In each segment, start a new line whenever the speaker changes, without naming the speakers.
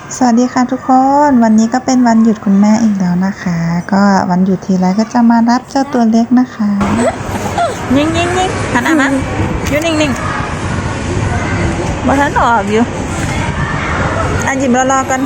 สวัสดีค่ะทุกคนวันนี้ก็เป็นวันหยุดคุณแม่อีกแล้วนะคะ ก็วันหยุดทีไรก็จะมารับเจ้าตัวเล็กนะคะยิงหันอ่ะนะอยู่นิ่งมาทันออกอยู่หยิบรอกัน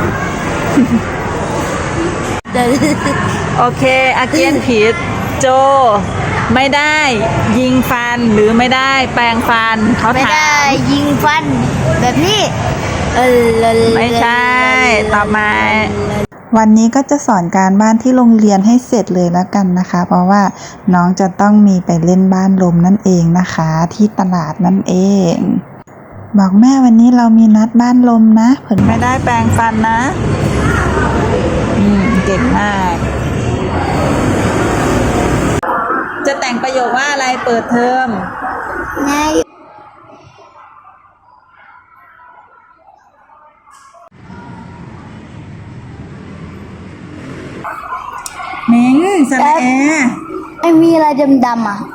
โอเคอาเกียนผิดโจไม่ได้ยิงฟันหรือไม่ได้แปรงฟันเขาถามไม่ได้
ยิงฟันแบบนี้
ไม่ใช่ต่อมาวันนี้ก็จะสอนการบ้านที่โรงเรียนให้เสร็จเลยแล้วกันนะคะ เพราะว่าน้องจะต้องมีไปเล่นบ้านลมนั่นเองนะคะที่ตลาดนั่นเองบอกแม่วันนี้เรามีนัดบ้านลมนะเพิ่นไม่ได้แปรงฟันนะเก่งมากจะแต่งประโยคว่าอะไรเปิดเทอม
ไง
เม้งสระแอ
ไม่มีอะไรดำๆอ่ะ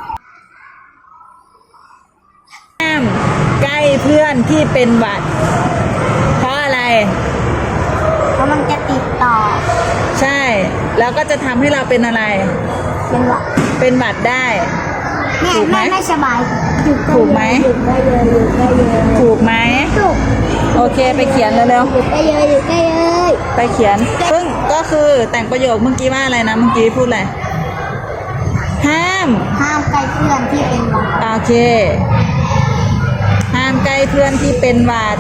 ห้ามใกล้เพื่อนที่เป็นหวัดเพราะอะไร
เพราะมันจะติดต่อ
ใช่แล้วก็จะทำให้เราเป็นอะไรเป็นหวัดได้
ถูกไหมไม่สบาย
ถูกไหมถูกไหม
ถูก
โอเคไปเขียนเร็ว
ๆ
ไปเขียนซึ่งก็คือแต่งประโยคเมื่อกี้ว่าอะไรนะเมื่อกี้พูดอะไรห้าม
ใกล้เพื่อนที่เป็นหวัด
โอเคห้ามใกล้เพื่อนที่เป็นหวัด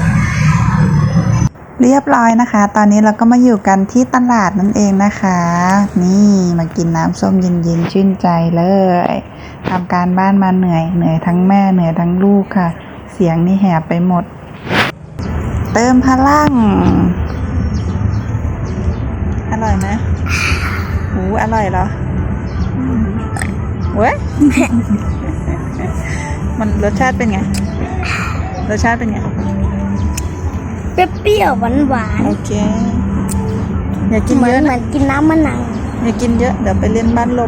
เรียบร้อยนะคะตอนนี้เราก็มาอยู่กันที่ตลาดนั่นเองนะคะนี่มากินน้ำส้มเย็นๆชื่นใจเลยทำการบ้านมาเหนื่อยทั้งแม่เหนื่อยทั้งลูกค่ะเสียงนี่แหบไปหมดเติมพลังอร่อยไหมอร่อยเหรอเว้ย มันรสชาติเป็นไงรสชาติเป็นไง
เปรี้ยวหวาน
โอเคอย่ากินเยอะ
เหมือนกินน้ำมะนาว
อย่ากินเยอะเดี๋ยวไปเล่นบ้านลม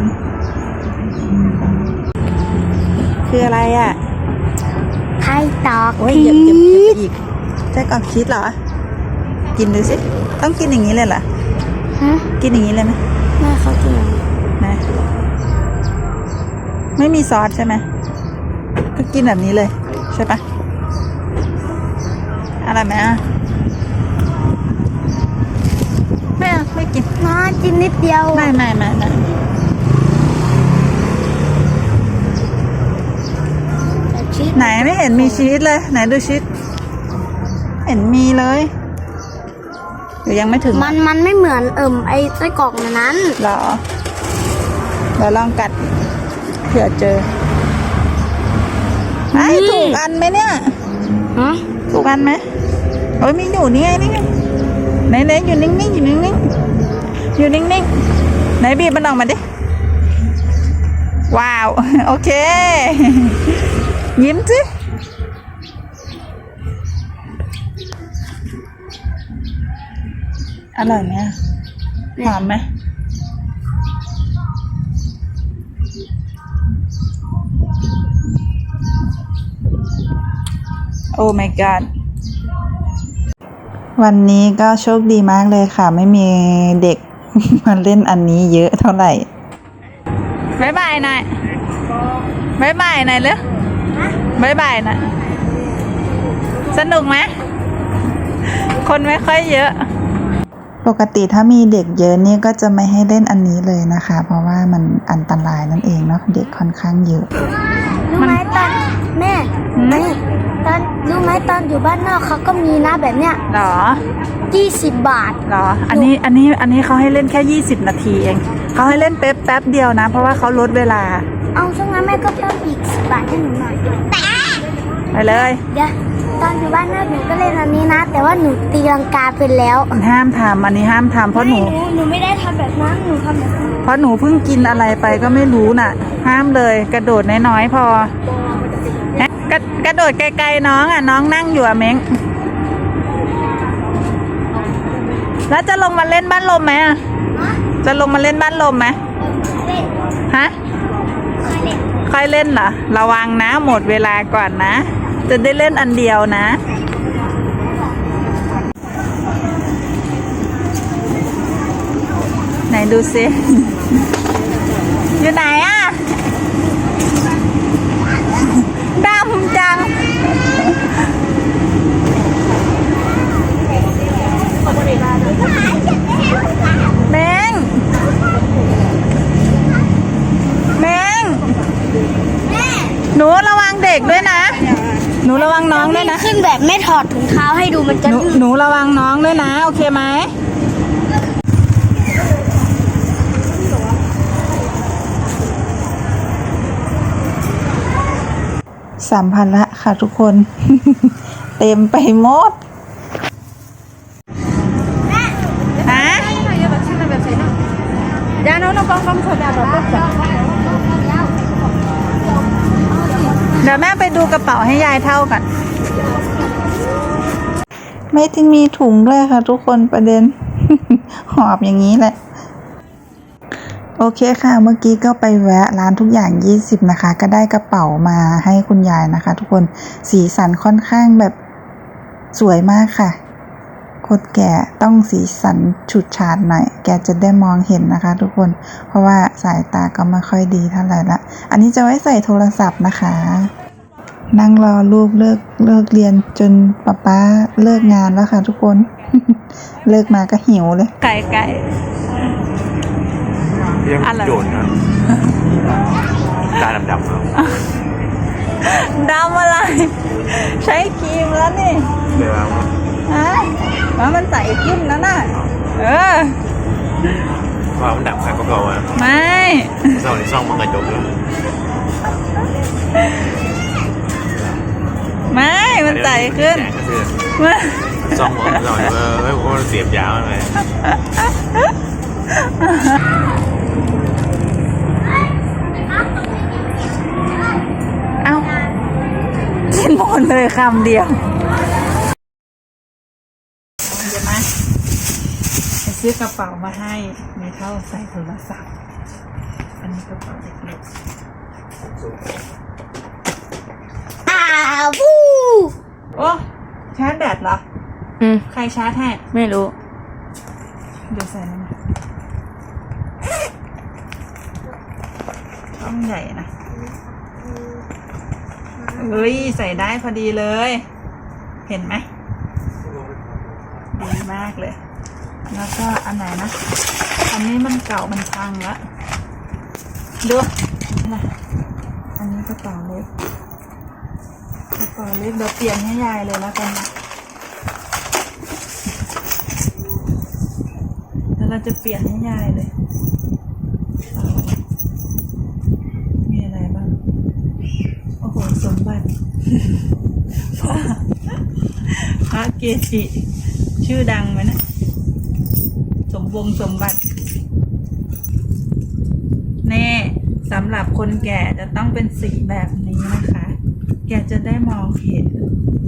คืออะไรอ่ะ
ไข่ตอก
ชีสอีกไส้กรอกชีสเหรอกินดูสิต้องกินอย่างนี้เลยเหรอกินอย่างนี้เลยไหม
ไม่เขากิน
นะไม่มีซอสใช่ไหมก็กินแบบนี้เลยใช่ปะอะไรไหมไม่กิน
กินนิดเดียว
ไม่ไหนไม่เห็นมีชีสเลยไหนดูชีสเห็นมีเลยหรือยังไม่ถึง
มันไม่เหมือนไอ้ไส้กรอกนั้น
หรอเราลองกัดเผื่อเจอไอ้ถูกอันไหมเนี่ยถูกอันไหมโอ้ยมีอยู่นี่ไงไหนอยู่นิ่งไหนบีบมันออกมาดิว้าวโอเคยิ้มสิอร่อยไหมหอมไหมโอ้ my god วันนี้ก็โชคดีมากเลยค่ะไม่มีเด็ก มาเล่นอันนี้เยอะเท่าไหร่บ๊ายบายหน่อยเร็วบ๊ายบายหน่อยสนุกไหมคนไม่ค่อยเยอะปกติถ้ามีเด็กเยอะนี่ก็จะไม่ให้เล่นอันนี้เลยนะคะเพราะว่ามันอันตรายนั่นเองเนาะเด็กค่อนข้างเยอะ
รู้ไหมตอนแม่ตอนรู้ไหมตอนอยู่บ้านนอกเขาก็มีนะแบบเนี้ย
หรอ
20 บาท
หรออันนี้เขาให้เล่นแค่20 นาทีเองเขาให้เล่นแป๊บเดียวนะเพราะว่าเขาลดเวลา
เอาช่วงนั้นแม่ก็เพิ่มอีก10 บาทให้หนูหน่อย
ไปเลย
เดี๋ยวตอนอยู่บ้านนอกหนูก็เล่นอันนี้นะแต่ว่าหนูตีลังกาเป็นแล้ว
ห้ามทำอันนี้ห้ามทำเพราะหนู
ไม่ได้ทำแบบนั้นหนูทำแบบนั้น
เพราะหนูเพิ่งกินอะไรไปก็ไม่รู้น่ะห้ามเลยกระโดดน้อยๆพอกระโดดไกลๆน้องอ่ะน้องนั่งอยู่อะเม้งแล้วจะลงมาเล่นบ้านลมไหมอ่ะจะลงมาเล่นบ้านลมไหมฮะค่อยเล่นเหรอระวังนะหมดเวลาก่อนนะจะได้เล่นอันเดียวนะดูสิอยู่ไหนอะดำจังแมงหนูระวังเด็กด้วยนะหนูระวังน้องด้วยนะ
ขึ้นแบบไม่ถอดถุงเท้าให้ดูมันจะ
หนูระวังน้องด้วยนะโอเคไหมสัมภาระค่ะทุกคน เต็มไปหมดฮะยาโน้นก็ต้องโซดาแบบเดี๋ยวแม่ไปดูกระเป๋าให้ยายเท่ากันไม่ถึงมีถุงด้วยค่ะทุกคนประเด็น หอบอย่างนี้แหละโอเคค่ะเมื่อกี้ก็ไปแวะร้านทุกอย่าง20นะคะก็ได้กระเป๋ามาให้คุณยายนะคะทุกคนสีสันค่อนข้างแบบสวยมากค่ะคนแก่ต้องสีสันฉูดฉาดหน่อยแกจะได้มองเห็นนะคะทุกคนเพราะว่าสายตาก็ไม่ค่อยดีเท่าไหร่ละอันนี้จะไว้ใส่โทรศัพท์นะคะนั่งรอลูกเลิกเรียนจนป๊าเลิกงานแล้วค่ะทุกคน เลิกมาก็หิวเลยไก่
ยังโยนนะตาดำๆครับ
ดำอะไรใช้ครีมแล้วนี่
เดี๋ยว
ฮะว่ามันใส่ขึ้นแล้วน่ะ
ว่ามันดำใครก็เก่าอ่ะ
ไม่
เศร้าในซ่องมันกระจกเลย
ไม่มันใส่ขึ้น
ซ่องหัวเราไม่ว่าเสียบยาวอะไร
เอ้ากินหมดเลยคำเดียวเดี๋ยวมาซื้อกระเป๋ามาให้มีเท่าใส่โทรศัพท์อันนี้กระเป๋าเล็ก
วู้
โอ้ชาร์จแบตเหรอใครชาร์จให้ไม่รู้เดี๋ยวใส่น้ำช่องใหญ่นะเฮ้ยใส่ได้พอดีเลยเห็นไหมดีมากเลยแล้วก็อันไหนนะอันนี้มันเก่ามันพังแล้วดูนะอันนี้กระเป๋าเล็กเดี๋ยวเปลี่ยนให้ยายเลยแล้วกันนะแล้วเราจะเปลี่ยนให้ยายเลยมีอะไรบ้างโอ้โหสมบัติ พระเกจิชื่อดังไหมนะสมบัติแน่สำหรับคนแก่จะต้องเป็นสีแบบนี้นะคะแกจะได้มองเห็น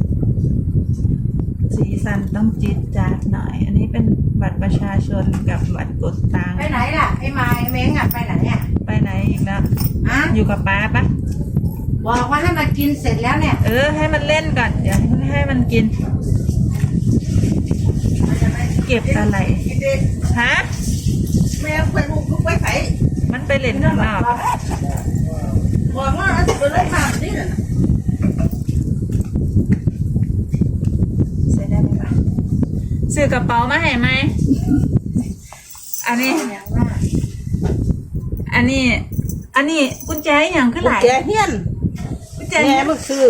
สีสันต้องจี๊ดจ๊าดหน่อยอันนี้เป็นบัตรประชาชนกับบัตรกดตังค์
ไปไหนล่ะไอ้ไม้เม้งอ่ะไปไหนอ่ะ
ไปไหนอีกแล้ว
อะ
อยู่กับป้าปะ
บอกว่าให้มันกินเสร็จแล้วเนี่ย
ให้มันเล่นก่อนเดี๋ยวให้มันกินเก็บอะไรฮะ
แม่ไปลูกลูกไปไหน
มันไปเล่นข้างนอก
บอกว่าจะไปเล่นน้ำนี่น่ะ
ใส่ได้ไหมปะซื้อกระเป๋ามาให้ไหมอันนี้กุญแจอย่างขึ้นหลาย
แกเฮียน
กุญแจ
แม่มึงซื้อ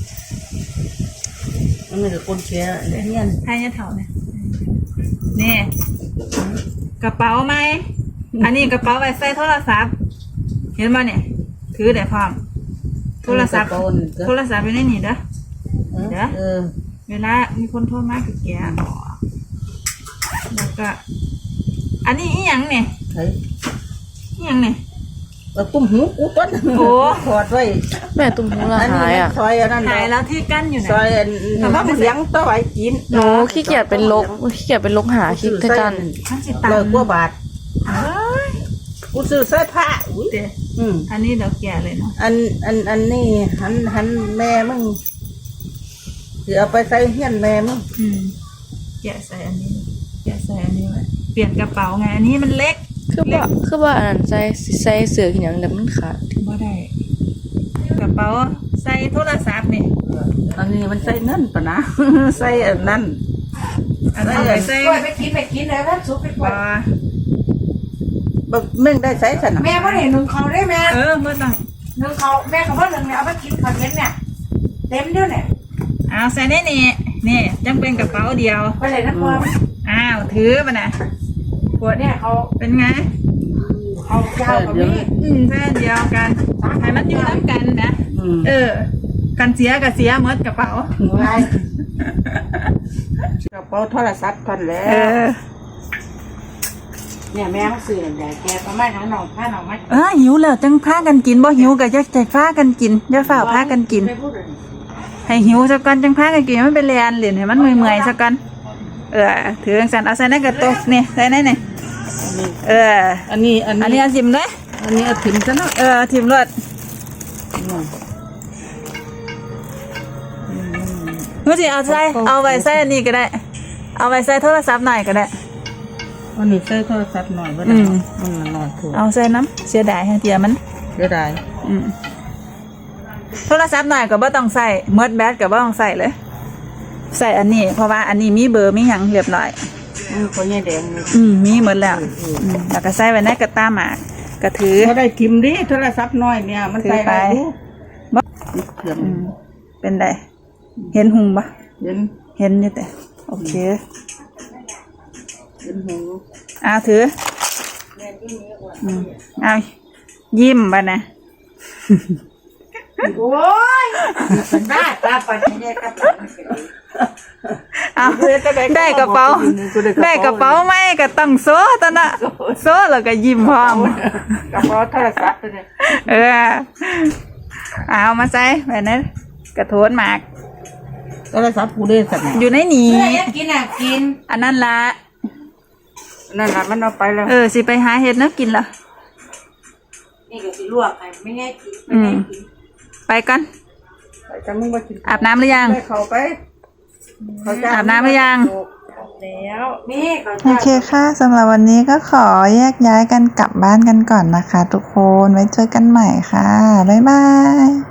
มันมีแต่คนแชร์เฮียน
ไทยเนี่ยเถ่าเนี่ยนี่กระเป๋าไหมอันนี้กระเป๋าไว้ใส่โทรศัพท์เห็นป่ะเนี่ยถือได้พร้อมโทรศัพท์อยู่ในนี่เด้อเวลามีคนโทรมาคือแกบอกแล้วก็อันนี้อีหยังเนี่ย
เฮ้ย
อีหยังเนี่ย
ตุ้มหูกูต้น
โอ้
ถอดไว้
แม่ตุ้มหูละหายอ่ะ
ซอยอันนั้น
หายแล้วที่กั้นอยู่ไหน
ซอยทำให้เสียงต่อไว้กิน
หนูขี้เกียจเป็นลกหาคลิปด้วยกัน
ท่านสิตาม
เลยกว่าบาท
เอ้ย
กูซื้อเสื้อผ้าอุ้ย
เดี๋ยว อันนี้เดี๋ยวแกะเลยเนาะ
อันนี้หันแม่มึงจะเอาไปใส่เฮียนแม่มึง
แกะใส่อันนี้ไว้เปลี่ยนกระเป๋าไงอันนี้มันเล็ก
คือว่าอันนั้นใส่เสื้อขึ้นอย่างเดียวมันขาด
บ่ได้กระเป๋าใส่โทรศัพท์นี่
อันนี้มันใส่เงินปะนะ ใส่อันนั้น
อันนั้นไปใส่
ไปกินเลยแล้วซุปไปก
บ่
ว่า
บักแม่งได้ใส่สนะ
แม่พ่อเห็นหนึ่งเขาได้แม่
บ่ต้อง
หนึ่งเขาแม่กับพ่อหนึ่งเนี่ยเอาไปกินเขาเย็นเนี่ยเต็มด้วยเนี่ย
เอาใส่ในนี่จังเป็นกระเป๋าเดียว
ไปเลยนะพ่อ
อ้าวถือป่ะนะ
ปวดเนี่ยเขา
เป็นไง
เขาเจ้ากับนี่
แค่เดียวกันให้มันอยู่น้ำกันนะ
อืม
กันเสียกับเสียหมดกระเป๋า
กระเป๋าโทรศัพท์กันแล้
เอ
ว
อ
เนี่ยแม่มาซื้อแต่แกประมาณทั้งหนองผ้าหนองไม้
หิวแล้วจังพากันกินบ่หิวก็จะใจพากันกินอย่าฝ่าพากันกิน
ไม่พูดเลย
ให้หิวสักก่อนจังพากันกินมันเป็นเรียนเหรียญให้มันเมื่อยๆสักก่อนถือจังสันเอาใส่ในกระตุกนี่ใส่ในนี่
อันนี้
อันนี้เอาจิ้มเลย
อันนี้เอาถิ่มซะเนาะ
ทิมรสรู้สิเอาไว้ใส่อันนี้ก็ได้ เอาไว้ใส่โทรศัพท์หน่อยก็ได้
อันนี้ใส่โทรศัพท์หน่อยก็ได้มันหน่อยถูก
เอาใส่น้ำเสียดายให้เตียมัน
เสียดาย
โทรศัพท์หน่อยก็บ่ต้องใส่เมิดแบตก็บ่ต้องใส่เลย ใส่อันนี้เพราะว่าอันนี้มีเบอร์มีหยังเรียบร้อย
เขาแย่แดงเลย
มีหมดแล้วแล้วก็ใส่ไว้ในกระต้าหมากก็ถือ
เขาได้ทิมดิโทรศัพท์น้อยเนี่ยมันใส่ได้ดู
บ่ เป็นไดเห็นหุงปะ
เห็น
เห็นอยู่แต่โอเค
เห็นหู
เอาถือเอายิ้มไปนะ
โอ้ยเป็นบ้าตาปันเนี่ยกับ
เอาได้กระเป๋าได้กระเป๋าไหมก็ต้องโซ่ตอนน่ะโซ่แล้วก็ยิ้มพร้อม
กระเป๋าโทรศัพท์เนี่ย
เอามาใส่ไปนะกระโถนหมาก
โทรศัพท์กูได้สัก
อยู่ในนี้
กินอ่ะกิน
อันนั้นละ
นั่นแหละมันเอาไปแล้ว
สิไปหาเห็ดเนาะกินละ
นี่ก็สิลวกไงไม่ง่ายกินไม่ง่ายกิน
ไปกัน
ไปจะมึงมากิน
อาบน้ำหรือยัง
ได้เขาไปเขาจะ
อาบน้ำหรือยัง
แล้วนี่เขา
โอเคค่ะสำหรับวันนี้ก็ขอแยกย้ายกันกลับบ้านกันก่อนนะคะทุกคนไว้เจอกันใหม่ค่ะ บ๊ายบาย